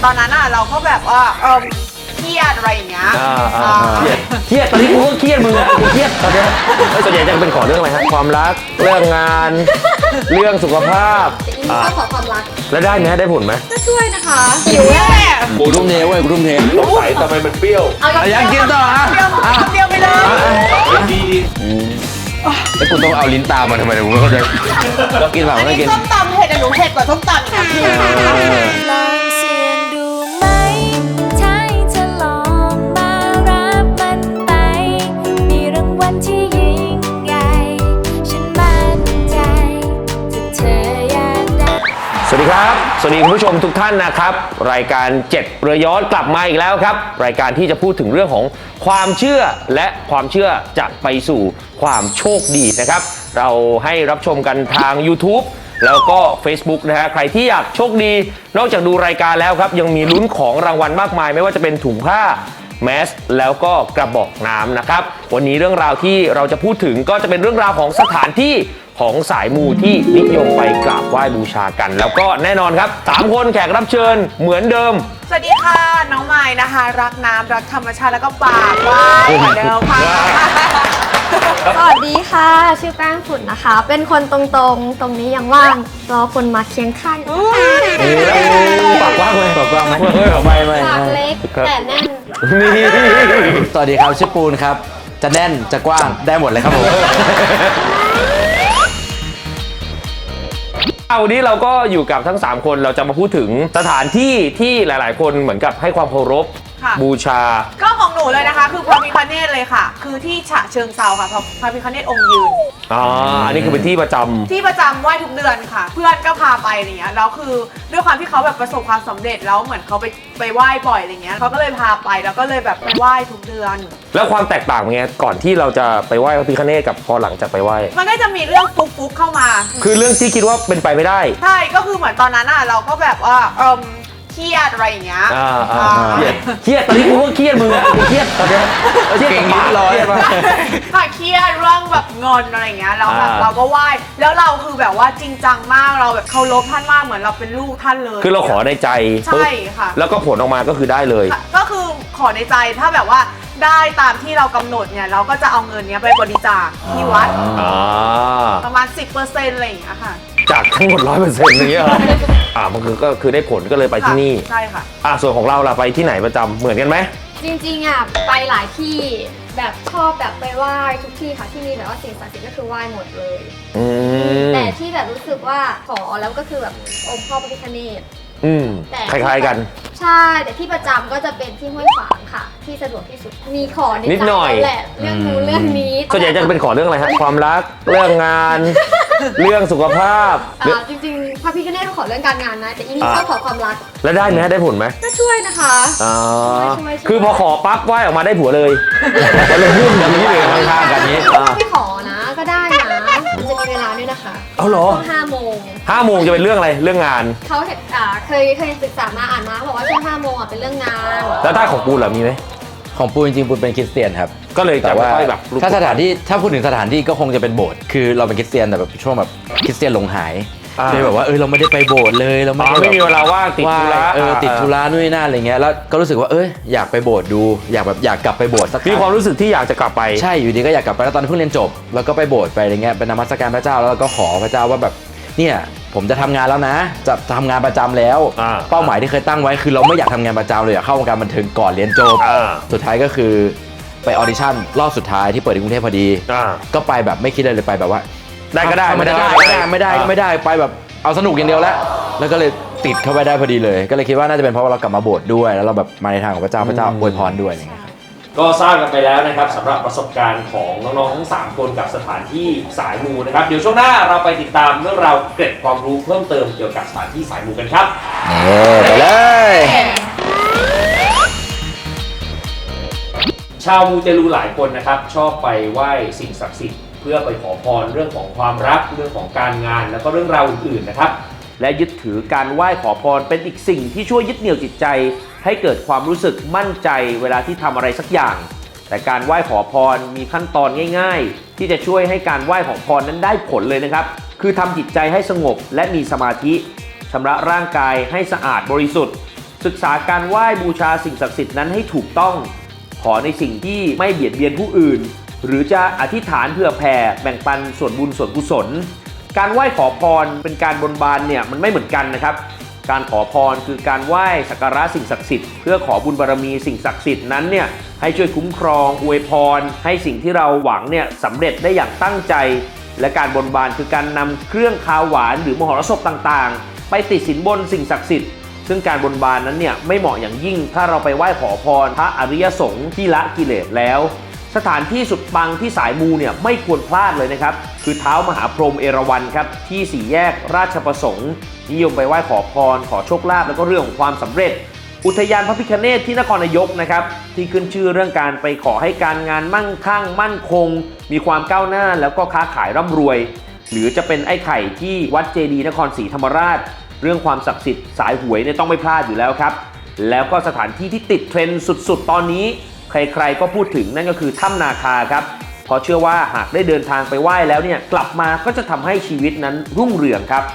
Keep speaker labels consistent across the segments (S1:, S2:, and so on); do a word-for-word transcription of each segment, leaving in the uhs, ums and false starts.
S1: ตอนนั้นอ่ะเราก็แบบว่าเออเครียดอะไรอย่างเงี้ย
S2: เครียดตอนนี้กูก็เครียดมึงอะกูเครียดตอนนี้ส่วนใหญ่จะเป็นขอเรื่องอะไรฮะความรักเรื่องงานเรื่องสุขภาพ
S3: แต่อีนี่ก็ขอความรัก
S2: แล้วได้ไหมได้ผลไหม
S3: ก็ช่วยนะคะ
S1: หิวแน่
S4: กูทุ่มเทเว้ยกูทุ่มเทสงสัยทำไมมันเปรี้ยว
S3: อยาก
S4: กินต่ออ่ะ
S1: เดียวไปเลย
S4: ดีไอ้กูต้องเอาลิ้นตามมาทำไมเนี่ยกูไม่เข้าใจเรากินเปล่า
S1: อัน
S4: ไม่
S1: นี้
S4: กิน
S1: ส้มตำเผ็ดแต่หนูเผ็ดกว่าส้มตำนะพี่
S3: ลองเสี่ยงดูไหมใช่เธอลองมารับมันไปมีรางวัลที่ยิ่งใหญ่ฉันมั่นใจถ้าเธออยากได้
S2: สวัสดีครับสวัสดีคุณผู้ชมทุกท่านนะครับรายการเจ็ดเรือย้อนกลับมาอีกแล้วครับรายการที่จะพูดถึงเรื่องของความเชื่อและความเชื่อจะไปสู่ความโชคดีนะครับเราให้รับชมกันทาง YouTube แล้วก็ Facebook นะฮะใครที่อยากโชคดีนอกจากดูรายการแล้วครับยังมีลุ้นของรางวัลมากมายไม่ว่าจะเป็นถุงผ้าแมสแล้วก็กระบอกน้ำนะครับวันนี้เรื่องราวที่เราจะพูดถึงก็จะเป็นเรื่องราวของสถานที่ของสายมูที่นิยมไปกราบไหว้บูชากันแล้วก็แน่นอนครับสามคนแขกรับเชิญเหมือนเดิม
S1: สวัสดีค่ะน้องใหม่นะคะรักน้ำรักธรรมชาติแล้วก็ปากว่ายเหมือนเดิมค่ะ
S3: สวัสดีค่ะชื่อแป้งฝุ่นนะคะเป็นคนตรงๆตรงนี้ยังว่างรอคนมาเคียงข้าง
S2: ปากว่างเลย
S4: ปากว่างไหม
S3: ไม่ไม่ปากเล็กแต่แน่น
S4: สวัสดีครับชื่อปูนครับจะแน่นจะกว้างได้หมดเลยครับผม
S2: วันนี้เราก็อยู่กับทั้งสามคนเราจะมาพูดถึงสถานที่ที่หลายๆคนเหมือนกับให้ความเคารพบูชา
S1: ก็ของหนูเลยนะคะคือพระพิฆเนศเลยค่ะคือที่ฉะเชิงเทราค่ะพระพิฆเนศองค์ยืน
S2: อ๋ออันนี้คือเป็นที่ประจำ
S1: ที่ประจำไหว้ทุกเดือนค่ะเพื่อนก็พาไปอะไรเงี้ยแล้วคือด้วยความที่เขาแบบประสบความสำเร็จแล้วเหมือนเขาไปไปไหว้บ่อยอะไรเงี้ยเขาก็เลยพาไปแล้วก็เลยแบบไปไหว้ทุกเดือน
S2: แล้วความแตกต่างไงก่อนที่เราจะไปไหว้พระพิฆเนศกับพอหลังจากไปไหว้
S1: มันก็จะมีเรื่องฟุกๆเข้ามา
S2: คือเรื่องที่คิดว่าเป็นไปไม่ได้
S1: ใช่ก็คือเหมือนตอนนั้นอ่ะเราก็แบบว่าเออเครียดอะไรอย่างเงี้ย
S2: เครียดเครียดตอนนี้กูก็เครียดมึงอะกูเครียดตอนนี้
S4: เครียดกับบ้านร้อยป่ะ
S1: ค่ะเครียดเรื่องแบบเงินอะไรอย่างเงี้ยแล้วแบบเราก็ไหว้แล้วเราคือแบบว่าจริงจังมากเราแบบเคารพท่านมากเหมือนเราเป็นลูกท่านเลย
S2: คือเราขอในใจ
S1: ใช่ค่ะ
S2: แล้วก็ผลออกมาก็คือได้เลย
S1: ก็คือขอในใจถ้าแบบว่าได้ตามที่เรากำหนดเนี่ยเราก็จะเอาเงินนี้ไปบริจาคที่วัดประมาณ สิบเปอร์เซ็นต์ อะไรอย่างเงี้ยค่ะ
S2: จากทั้งหมด ร้อยเปอร์เซ็นต์ อย่างเงี้ยอ่ามันคือก็คือได้ผลก็เลยไปที่นี่
S1: ใช่ค่ะ
S2: อ่าส่วนของเราล่ะไปที่ไหนประจำเหมือนกันไหม
S3: จริงๆอ่ะไปหลายที่แบบชอบแบบไปไหว้ทุกที่ค่ะที่มีแบบว่าสิ่งศักดิ์สิทธิ์ก็คือไหว้หมดเลยแต่ที่แบบรู้สึกว่าขอแล้วก็คือแบบองค์พ่อพระพิฆเนศ
S2: อืมคล้ายๆกัน
S3: ใช่แต่ที่ประจำก็จะเป็นที่ห้วยขวางค่ะที่สะดวกที่สุดมีขอนิดหน่อยแหละเรื่องนู้นเรื่องนี้
S2: ส่วนใหญ่จะเป็นขอเรื่องอะไรฮะความรักเรื่องงานเรื่องสุขภาพ
S3: จริงๆพระพิฆเนศเขาขอเรื่องการงานนะแต่อีนี่ชอบขอความรัก
S2: แล้วได้ไหมได้ผลไหม
S3: ก็ช่วยนะคะ
S2: อ๋อคือพอขอปั๊บไหว้ออกมาได้ผัวเลยแล้วเราพูดแบบนี้เลยข้างๆกันนี้
S3: ไม่ขอนะก็ได้นะมันจะมีเวลาด้วยนะคะ
S2: เอาเหรอ
S3: ช่วงห้าโมง
S2: ห้าโมงจะเป็นเรื่องอะไรเรื่องงาน
S3: เขาเห็นอ่าเคยเคยศึกษามาอ่านมาเขาบอกว่าช่วงห้าโมงอ่ะเป็นเรื่องงาน
S2: แล้วถ้าของปูนล่ะมีไหม
S4: ของปูนจริงๆปูนเป็นคริสเตียนครับ
S2: ก็เลยแต่ว่าแบบ
S4: ถ้าสถานที่ถ้าพูดถึงสถานที่ก็คงจะเป็นโบสถ์คือเราเป็นคริสเตียนแต่แบบช่วงแบบคริสเตียนหลงหายเลยแบบว่าเออเราไม่ได้ไปโบสถ์เลยเราไม่ได้
S2: ไม่มีเวลาว่างติดธุระ
S4: เออติดธุระนู่นนี่นั่นอะไรเงี้ยแล้วก็รู้สึกว่าเอออยากไปโบสถ์ดูอยากแบบอยากกลับไปโบสถ์สัก
S2: มีความรู้สึกที่อยากจะกลับไป
S4: ใช่อยู่ดีก็อยากกลับไปแล้วตอนเพิ่งเรียนจบแล้วก็ไปโบสถ์ไปอะไรเงี้ยเป็นนมัสการพระเจ้าแล้วก็ขอพระเจ้าว่าแบบเนี่ยผมจะทำงานแล้วนะจะทำงานประจำแล้วเป้าหมายที่เคยตั้งไว้คือเราไม่อยากทำงานประจำเลยอยากเข้าวงการบันเทิงก่อนเรียนจบสุดท้ายก็คือไปออดิชั่นรอบสุดท้ายที่เปิดในกรุงเทพพอดีก็ไปแบบไม่คิดเลยเลยไปแบบว่า
S2: ได้ก็ได้
S4: ไม่ได้ไม่ได้ไม่ได้ไม่ได้ไปแบบเอาสนุกอย่างเดียวแล้วแล้วก็เลยติดเข้าไปได้พอดีเลยก็เลยคิดว่าน่าจะเป็นเพราะว่าเรากลับมาโบสถ์ด้วยแล้วเราแบบมาในทางของพระเจ้าพระเจ้าอวยพรด้วยอย่างเงี้ย
S2: ก็ทราบกันไปแล้วนะครับสำหรับประสบการณ์ของน้องๆทั้งสามคนกับสถานที่สายมูนะครับเดี๋ยวช่วงหน้าเราไปติดตามเรื่องราวเกร็ดความรู้เพิ่มเติมเกี่ยวกับสถานที่สายมูกันครับ
S4: ไปเลย
S2: ชาวมูเตลูหลายคนนะครับชอบไปไหว้สิ่งศักดิ์สิทธิ์เพื่อไปขอพรเรื่องของความรักเรื่องของการงานแล้วก็เรื่องราวอื่นๆนะครับและยึดถือการไหว้ขอพรเป็นอีกสิ่งที่ช่วยยึดเหนี่ยวจิตใจให้เกิดความรู้สึกมั่นใจเวลาที่ทำอะไรสักอย่างแต่การไหว้ขอพรมีขั้นตอนง่ายๆที่จะช่วยให้การไหว้ขอพรนั้นได้ผลเลยนะครับคือทำจิตใจให้สงบและมีสมาธิชำระร่างกายให้สะอาดบริสุทธิ์ศึกษาการไหว้บูชาสิ่งศักดิ์สิทธิ์นั้นให้ถูกต้องขอในสิ่งที่ไม่เบียดเบียนผู้อื่นหรือจะอธิษฐานเพื่อแผ่แบ่งปันส่วนบุญส่วนกุศลการไหว้ขอพรเป็นการบนบานเนี่ยมันไม่เหมือนกันนะครับการขอพรคือการไหว้สักการะสิ่งศักดิ์สิทธิ์เพื่อขอบุญบารมีสิ่งศักดิ์สิทธิ์นั้นเนี่ยให้ช่วยคุ้มครองอวยพรให้สิ่งที่เราหวังเนี่ยสำเร็จได้อย่างตั้งใจและการบนบานคือการนำเครื่องคาวหวานหรือมหรสพต่างๆไปติดสินบนสิ่งศักดิ์สิทธิ์ซึ่งการบนบานนั้นเนี่ยไม่เหมาะอย่างยิ่งถ้าเราไปไหว้ขอพรพระอริยสงฆ์ที่ละกิเลสแล้วสถานที่สุดปังที่สายมูเนี่ยไม่ควรพลาดเลยนะครับคือเท้ามหาพรหมเอราวัณครับที่สี่แยกราชประสงค์นิยมไปไหว้ขอพรขอโชคลาภแล้วก็เรื่องของความสำเร็จอุทยานพระพิฆเนศที่นครนายกนะครับที่ขึ้นชื่อเรื่องการไปขอให้การงานมั่งคั่งมั่นคงมีความก้าวหน้าแล้วก็ค้าขายร่ำรวยหรือจะเป็นไอ้ไข่ที่วัดเจดีย์นครศรีธรรมราชเรื่องความศักดิ์สิทธิ์สายหวยเนี่ยต้องไม่พลาดอยู่แล้วครับแล้วก็สถานที่ที่ติดเทรนด์สุดๆตอนนี้ใครๆก็พูดถึงนั่นก็คือถ้ำนาคาครับเพราะเชื่อว่าหากได้เดินทางไปไหว้แล้วเนี่ยกลับมาก็จะทำให้ชีวิตนั้นรุ่งเรืองครับ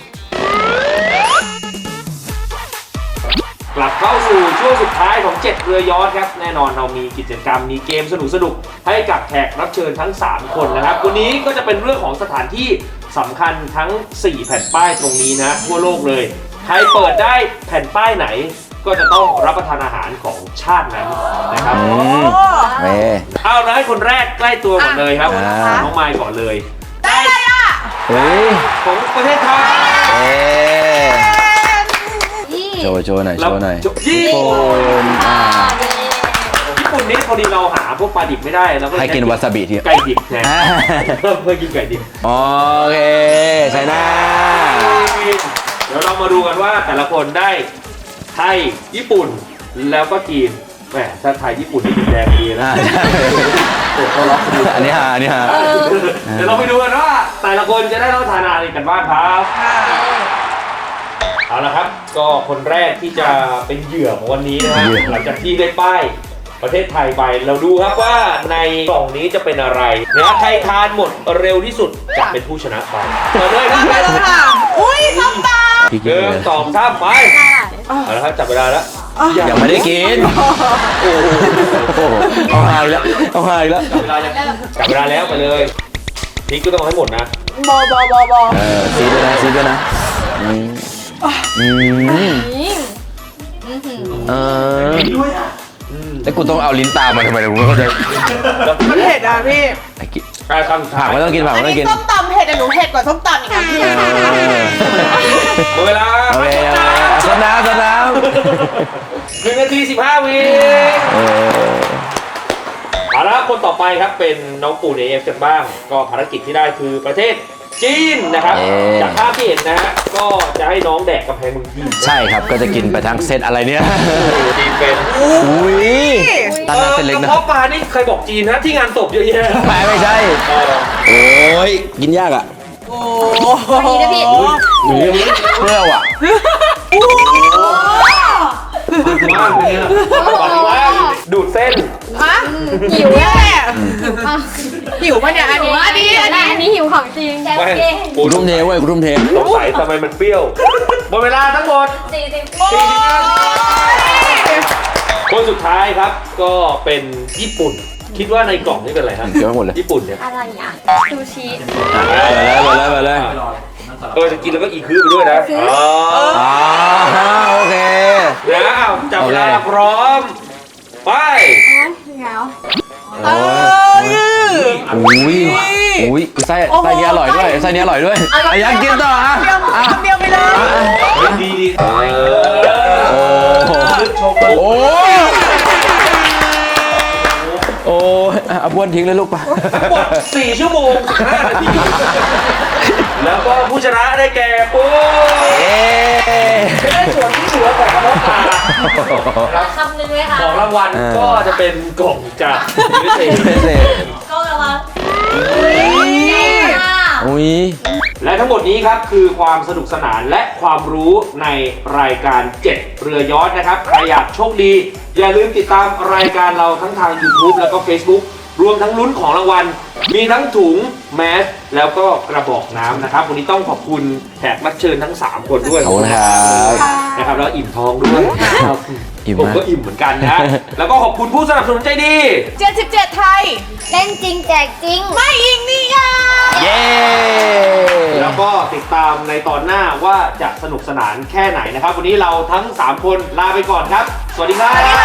S2: กลับเข้าสู่ช่วงสุดท้ายของเจ็ดเรือยอชต์ครับแน่นอนเรามีกิจกรรมมีเกมสนุกๆให้กับแขกรับเชิญทั้งสามคนนะครับวันนี้ก็จะเป็นเรื่องของสถานที่สำคัญทั้งสี่แผ่นป้ายตรงนี้นะทั่วโลกเลยใครเปิดได้แผ่นป้ายไหนก็จะต้องรับประทานอาหารของชาตินั้นนะครับ
S4: เว้ย
S2: เอานะให้คนแรกใกล้ตัวก่อนเลยครับ
S4: อ่า
S2: น้องไมค์ก่อนเลย
S1: ได้เลยอ่ะ
S4: เฮ้ย
S2: ของประเทศไทย
S4: เอ๊ะโชว์โชว์หน่อยโชว์หน่อย
S2: ญี่
S4: โฟ
S2: ปุ่น
S4: นอ่า
S2: ญี่ปุ่นนี่พอดีเราหาพวกปลาดิบไม่ได้เราก็เลย
S4: ให้กินวาซาบิที
S2: ไก่ดิบแทนเพิ่มเพื่อกินไก่ดิบ
S4: โอเคใช่หน้า
S2: เดี๋ยวเรามาดูกันว่าแต่ละคนได้ไทยญี่ปุ่นแล้วก็จีนแหมถ้าไทยญี่ปุ่นนี่แดงดีนะ
S4: อ่าใช่
S2: โอ้โหเขาล็อกดี
S4: อันนี้ฮะอันนี้ฮะ
S2: เดี๋ยวเราไปดูกันว่าแต่ละคนจะได้รับประทานอะไรกันบ้างครับเอาละครับก็คนแรกที่จะเป็นเหยื่อของวันนี้นะฮะหลังจากที่ได้ป้ายประเทศไทยไปเราดูครับว่าในกล่องนี้จะเป็นอะไรนะใครทานหมดเร็วที่สุดจะเป็นผู้ชนะไปเปิดเลยครับ
S1: ไปเลยค่ะอุ้ยส้มตำ
S4: พี่
S2: ห
S4: กิน
S2: นึ่ง
S4: เลย
S2: สองสามไปเอาละครับจับเวลาแล้ว
S4: ยังไม่ได้กิน
S2: โอ้โห
S4: โอ้โหเอาหายแล้วเอาหายแล้ว
S2: จับเวลายังจับเวลาแล้วไปเลยพริกก็ต้องเอาให้หมดนะ
S1: บอบอบอบอ
S4: เออซีด้วยนะซีด้วยนะอืมอืมเออแล้วกูต้องเอาลิ้นตามมาทำไมเนี่ยกูไม่เข้าใจ
S1: มันเผ็ดอ่ะพี่
S4: ไอ้กิน
S2: การทำ
S4: ผักไม่ต้องกินผัก
S1: อัน
S4: ไม่ต้อง
S1: นี้
S4: กิน
S1: ส้มตำเผ็ดแต่หนูเผ็ดกว่าส้มตำอีกนะพี่
S4: เออ
S2: หมดเวลา
S4: โอเคโอเคสดน้ำสดน้
S2: หนึ่งนาทีสิบห้าวิ
S4: ำเออ
S2: เอาละคนต่อไปครับเป็นน้องปูนเอฟกันบ้าง ก็ภารกิจที่ได้คือประเทศจีนนะครับ จากภาพที่เห็นนะฮะก็จะให้น้องแดกกำแพงเมืองจีน
S4: ใช่ครับก็จะกินไปทั้งเซตอะไรเนี่ย
S2: จีนเป็น
S4: อุ้ยตั้งแต่เส้นเล็ก
S2: ก
S4: นะ
S2: ระเพาะปลานี่ใครบอกจีนนะที่งานศพเยอะแยะ
S4: ไม่ไม่ใช่
S2: เออ
S4: โอ้ยกินยากอ่ะ
S1: โอ้
S3: นี่นะพี่
S4: เปรี้ยวอ่ะ
S2: มากเลยเนี่ยบอกว่าดูดเส้น
S1: ฮะหิวแน่หิวปะเนี่ยอันนี้อันนี้อันนี้
S3: อันนี้หิวของจริง
S2: ไม่ปู
S4: กูทุ่มเทเว้ยกูทุ่มเท
S2: สงสัยทำไมมันเปรี้ยวหมดเวลาทั้งหมด
S3: สี่สิบ
S2: คนสุดท้ายครับก็เป็นญี่ปุ่น คิดว่าในกล่องนี่เป็นอะไรครับ
S4: เกี่ยวให้หมดเลย
S2: ญี่ปุ่นเนี่ย
S3: อะไรอ่ะซูชิ
S4: ไปเลยไปเลยไปเลย
S2: เออจะกินแล้วก็อีคือไปด้วยนะอ๋อ
S4: อ่าโอเค
S2: แล้วจับเวลาพร้อม ไป
S3: เหงา
S1: เออ
S4: อุ้ยอุ้ยไส้ไส้นี้อร่อยด้วยไส้นี้อร่อยด้วยอ่ะยังกินต่ออ่ะ
S1: เดียว
S4: อ่ะ
S1: คำเดียวไปเลย
S2: ดีดีเอ
S4: โอ้
S2: อ
S4: โห
S2: โชว์
S4: โอ้โอ้เอาบ้วนทิ้งเลยลูกป่ะ
S2: ทั้งหมดสี่ชั่วโมงห้านาที แล้วก็ผู้ชนะได้แก่ปุ๊บ
S4: เอ๊
S2: ได้ส่วนที่เหลือของกระเพาะปลาครับ
S3: คำหนึ่งเลยค่ะ
S2: ของรางวัลก็จะเป็นกล่องจากวิเศษ
S4: เสร็จ
S3: ก็ระวัง
S4: อุ้ย
S2: และทั้งหมดนี้ครับคือความสนุกสนานและความรู้ในรายการเจ็ดเรือยอชต์นะครับใครอยากโชคดี อย่าลืมติดตามรายการเราทั้งทาง YouTube แล้วก็ Facebook รวมทั้งลุ้นของรางวัลมีทั้งถุงแมสแล้วก็กระบอกน้ำนะครับวันนี้ต้องขอบคุณแขกรับเชิญทั้งสามคนด้วย
S4: ขอบคุณครับ
S2: นะครับแล้วอิ่มท้องด้วยครับ
S4: อิ่ม
S2: ผม
S4: มาก
S2: ก็อิ่มเหมือนกันนะ แล้วก็ขอบคุณผู้สนับสนุนใจดี
S1: เจ็ดสิบเจ็ดไทย
S3: เล่นจริงแจกจริง
S1: ไม่อิงนี่ค่ะ
S4: เย้
S2: แล้วก็ติดตามในตอนหน้าว่าจะสนุกสนานแค่ไหนนะครับ วันนี้เราทั้งสามคนลาไปก่อนครับ สวัสดีครับ